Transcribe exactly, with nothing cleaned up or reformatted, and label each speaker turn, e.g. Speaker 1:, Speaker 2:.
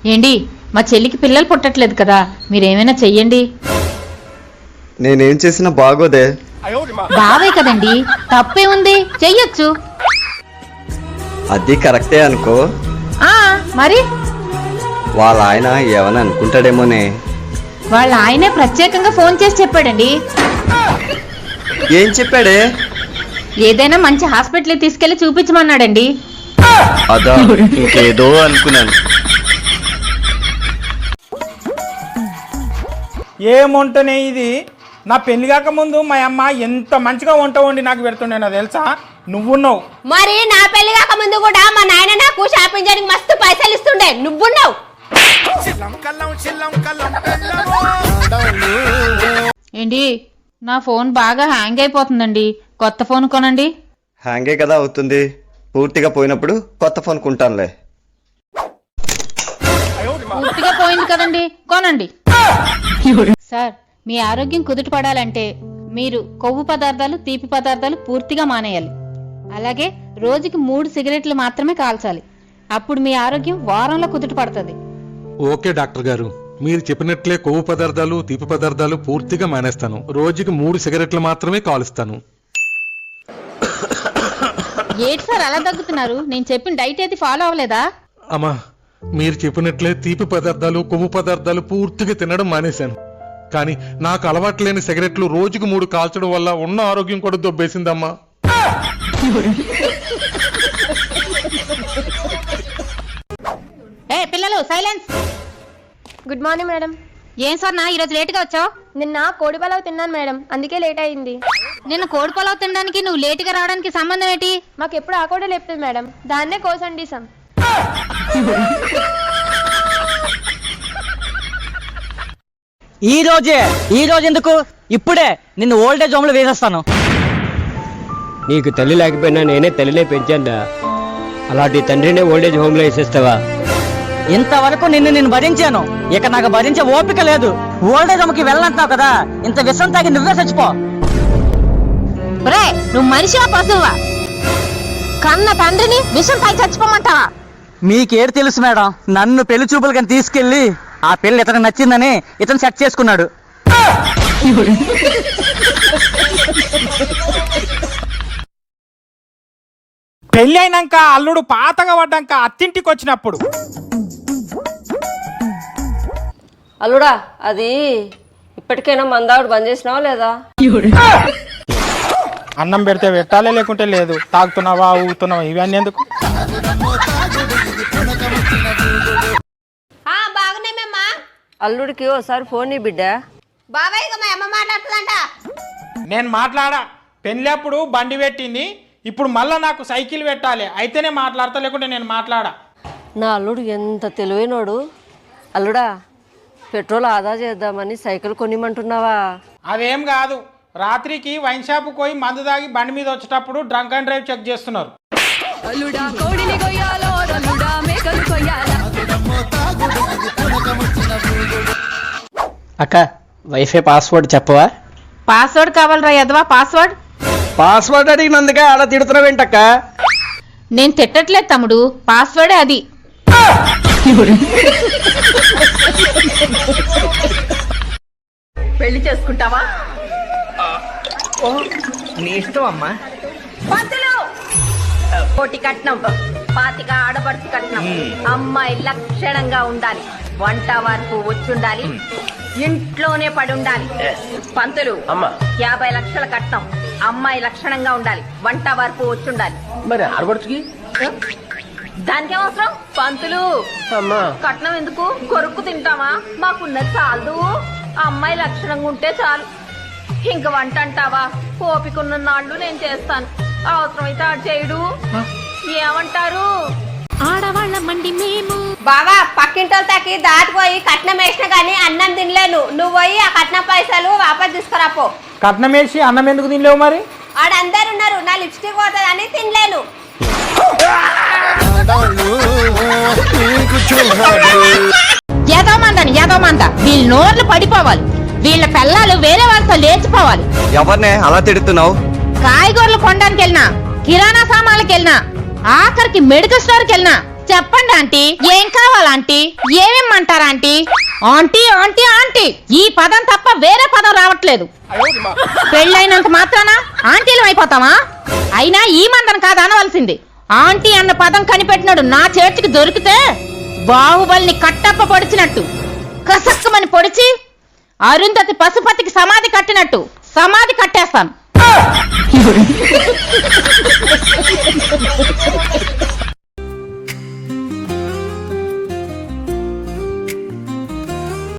Speaker 1: ఏండి మా చెల్లికి పిల్లలు పుట్టట్లేదు కదా, మీరేమైనా చెయ్యండి.
Speaker 2: నేనేం చేసినా బాగోదే.
Speaker 1: బావే కదండి, తప్పే ఉంది, చెయ్యొచ్చు.
Speaker 2: అది కరెక్టే అనుకో.
Speaker 1: ఆ మరి
Speaker 2: వాళ్ళ ఆయన ఏమని అనుకుంటాడేమోనే.
Speaker 1: వాళ్ళ ఆయనే ప్రత్యేకంగా ఫోన్ చేసి చెప్పాడండి.
Speaker 2: ఏం చెప్పాడే?
Speaker 1: ఏదైనా మంచి హాస్పిటల్ తీసుకెళ్లి చూపించమన్నాడండి.
Speaker 2: అదా, ఇంకేదో అనుకున్నాను.
Speaker 3: ఏం వంటనే ఇది? నా పెళ్లి కాక ముందు మా అమ్మ ఎంత మంచిగా వంట వండి నాకు పెడుతుండే నాకు తెలుసా? నువ్వున్నావు.
Speaker 4: మరి నా పెళ్లి కాక ముందు కూడా మా నాయన నాకు షాపింగ్ చేయడానికి మస్తు పైసలు ఇస్తుండే, నువ్వున్నావు.
Speaker 1: ఏంటి, నా ఫోన్ బాగా హ్యాంగ్ అయిపోతుందండి, కొత్త ఫోన్ కొనండి.
Speaker 2: హ్యాంగే కదా అవుతుంది, పూర్తిగా పోయినప్పుడు కొత్త ఫోన్ కొంటానులే.
Speaker 1: పూర్తిగా పోయింది కదండి, కొనండి. సార్, మీ ఆరోగ్యం కుదుట పడాలంటే మీరు కొవ్వు పదార్థాలు, తీపి పదార్థాలు పూర్తిగా మానేయాలి. అలాగే రోజుకి మూడు సిగరెట్లు మాత్రమే కాల్చాలి. అప్పుడు మీ ఆరోగ్యం వారంలో కుదుట పడుతుంది.
Speaker 5: ఓకే డాక్టర్ గారు, మీరు చెప్పినట్లే కొవ్వు పదార్థాలు, తీపి పదార్థాలు పూర్తిగా మానేస్తాను. రోజుకి మూడు సిగరెట్లు మాత్రమే కాలుస్తాను.
Speaker 1: ఏంటి సార్ అలా తగ్గుతున్నారు? నేను చెప్పిన డైట్ ఏది ఫాలో అవ్వలేదా?
Speaker 5: అమ్మా, మీరు చెప్పినట్లే తీపి పదార్థాలు, కొవ్వు పదార్థాలు పూర్తిగా తినడం మానేశాను. కానీ నాకు అలవాటు లేని సిగరెట్లు రోజుకు మూడు కాల్చడం వల్ల ఉన్న ఆరోగ్యం కూడా దొబ్బేసిందమ్మా.
Speaker 1: ఏ పిల్లలు, సైలెన్స్.
Speaker 6: Good morning madam.
Speaker 1: ఏం సార్ నా ఈరోజు లేటుగా వచ్చావు?
Speaker 6: నిన్న కోడి పలావ్ తిన్నాను మేడం, అందుకే లేట్ అయింది.
Speaker 1: నిన్న కోడి పొలావ్ తినడానికి నువ్వు లేటుగా రావడానికి సంబంధం ఏంటి?
Speaker 6: మాకు ఎప్పుడు ఆ కోడే లేపుతుంది మేడం, దాన్నే కోసండిసాం.
Speaker 7: ఈ రోజే ఈ రోజు ఎందుకు, ఇప్పుడే నిన్ను ఓల్డేజ్ హోమ్ లో వేసేస్తాను.
Speaker 8: నీకు తల్లి లేకపోయినా నేనే తల్లినే పెంచాను. అలాంటి తండ్రినే ఓల్డేజ్ హోమ్ లో వేసేస్తావా?
Speaker 7: ఇంతవరకు నిన్ను నేను భరించాను, ఇక నాకు భరించే ఓపిక లేదు. ఓల్డేజ్ హోమ్ కి వెళ్ళంటున్నావు కదా, ఇంత విషం తాగి నువ్వే చచ్చిపో.
Speaker 1: బ్రే, నువ్వు మనిషివా పశువా? కన్న తండ్రిని విషం పై చచ్చిపోమంటావా?
Speaker 7: మీకేడు తెలుసు మేడం, నన్ను పెళ్లి చూపులు కానీ తీసుకెళ్లి ఆ పెళ్లి ఇతను నచ్చిందని ఇతను సెట్ చేసుకున్నాడు.
Speaker 3: పెళ్ళి అయినాక అల్లుడు పాతగా పడ్డాక అత్తింటికి వచ్చినప్పుడు,
Speaker 4: అల్లుడా, అది ఇప్పటికైనా మందావుడు బంద్ చేసినావా లేదా?
Speaker 3: అన్నం పెడితే పెట్టాలే, లేకుంటే లేదు. తాగుతున్నావా, ఊగుతున్నావా, ఇవన్నీ ఎందుకు?
Speaker 4: బాగున్నామేమ్మా. అల్లుడికి ఓసారి ఫోన్ నీ బిడ్డ. బాబాయ్ మా అమ్మ మాట్లాడుతుందంట.
Speaker 3: నేను మాట్లాడా. పెళ్ళప్పుడు బండి పెట్టింది, ఇప్పుడు మళ్ళా నాకు సైకిల్ పెట్టాలి, అయితేనే మాట్లాడతా, లేకుంటే నేను మాట్లాడా.
Speaker 4: నా అల్లుడు ఎంత తెలివైనోడు. అల్లుడా, పెట్రోల్ ఆదా చేద్దామని సైకిల్ కొనిమంటున్నావా?
Speaker 3: అదేం కాదు, రాత్రికి వైన్ షాప్ పోయి మందు తాగి బండి మీద వచ్చేటప్పుడు డ్రంక్ అండ్ డ్రైవ్ చెక్ చేస్తున్నారు.
Speaker 8: అక్క, వైఫై పాస్వర్డ్ చెప్పవా?
Speaker 1: పాస్వర్డ్ కావాలరా యదవా? పాస్వర్డ్
Speaker 8: పాస్వర్డ్ అడిగినందుకే అలా తిడుతున్నావేంటక్క?
Speaker 1: నేను తిట్టట్లేదు తమ్ముడు, పాస్వర్డే అది.
Speaker 4: పెళ్లి చేసుకుంటావా?
Speaker 7: నీ ఇష్టం అమ్మా.
Speaker 4: కోటి కట్నం, పాతిక ఆడపడుచు కట్నం. అమ్మాయి లక్షణంగా ఉండాలి, వంట వరకు వచ్చుండాలి, ఇంట్లోనే పడి ఉండాలి. పంతులు, యాభై లక్షల కట్నం. అమ్మాయి లక్షణంగా ఉండాలి, వంట వరకు వచ్చుండాలి.
Speaker 8: మరి ఆడపడుచుకి
Speaker 4: దానికే అవసరం పంతులు. కట్నం ఎందుకు? కొరుక్కు తింటామా? మాకున్నది చాలు, అమ్మాయి లక్షణంగా ఉంటే చాలు. ఇంక వంట అంటావా? ఓపికన్న నాళ్ళు నేను చేస్తాను, అవసరమైతే ఆడు చేయడు. ఏమంటారు?
Speaker 1: ఆడవాళ్ళ మండి మేము.
Speaker 4: బావా, పక్కింటోళ్ళకి దాటిపోయి కట్నం వేసినా కానీ అన్నం తినలేను. నువ్వు పోయి ఆ కట్నం పైసలు వాపస్ తీసుకురాపో.
Speaker 3: కట్నం వేసి అన్నం ఎందుకు తినలేవు? మరి
Speaker 4: ఆడందరు ఉన్నారు, నా లిప్స్టిక్ పోతుందని తినలేను.
Speaker 1: ఏదో మందని ఏదో మంద, వీళ్ళ నోర్లు పడిపోవాలి, వీళ్ళ పిల్లలు వేరే వాళ్ళతో లేచిపోవాలి.
Speaker 2: ఎవరినే అలా తిడుతున్నావు?
Speaker 1: కాయగూరలు కొనడానికి వెళ్ళినా, కిరాణా సామాన్లకు వెళ్ళినా, ఆఖరికి మెడికల్ స్టోర్కి వెళ్ళినా చెప్పండి ఆంటీ, ఏం కావాలి ఆంటీ? ఏమేమంటారా ఆంటీ? ఆంటీ ఆంటీ ఆంటీ ఈ పదం తప్ప వేరే పదం రావట్లేదు. పెళ్ళైనంత మాత్రాన ఆంటీలు అయిపోతావా? అయినా ఈ మందన కాదు అనవలసింది. ఆంటీ అన్న పదం కనిపెట్టినాడు నా చేతికి దొరికితే బాహుబలిని కట్టప్ప పొడిచినట్టు కసక్కమని పొడిచి అరుంధతి పశుపతికి సమాధి కట్టినట్టు సమాధి కట్టేస్తాను.